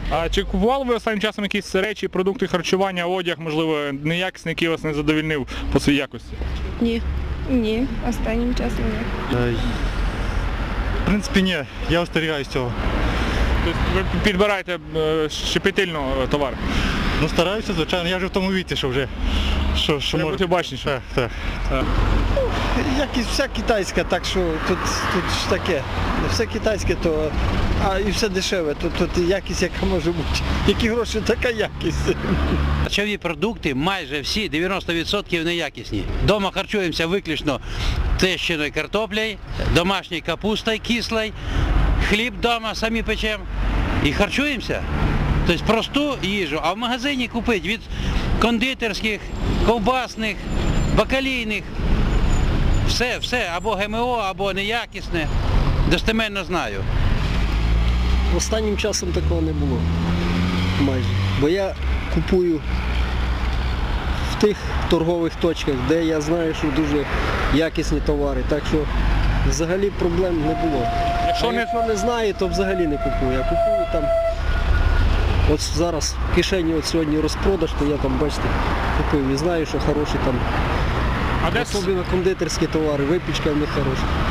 А чи купували ви останнім часом якісь речі, продукти харчування, одяг, можливо, неякісний, який вас не задовольнив по своїй якості? Ні. Ні, останнім часом ні. В принципі, ні, я остерігаюсь цього. Тобто ви підбираєте щепетильно товар? Ну, стараюся, звичайно, я вже в тому віці, що вже... Що Треба бути бачніше. Так. Якість вся китайська, так що тут ж таке. Все китайське, то і все дешеве, тут якість яка може бути. Які гроші, така якість. Харчові продукти майже всі, 90% неякісні. Дома харчуємося виключно тещиною картоплею, домашньою капустою кислою, хліб вдома самі печемо і харчуємося. Тобто просту їжу, а в магазині купити від кондитерських, ковбасних, бакалійних, все, або ГМО, або неякісне, достеменно знаю. Останнім часом такого не було майже, бо я купую в тих торгових точках, де я знаю, що дуже якісні товари, так що взагалі проблем не було. Якщо не знаю, то взагалі не купую, я купую там. От зараз в кишені от сьогодні розпродаж, то я там, бачите, купив і знаю, що хороші там, особливо кондитерські товари, випічка в них хороша.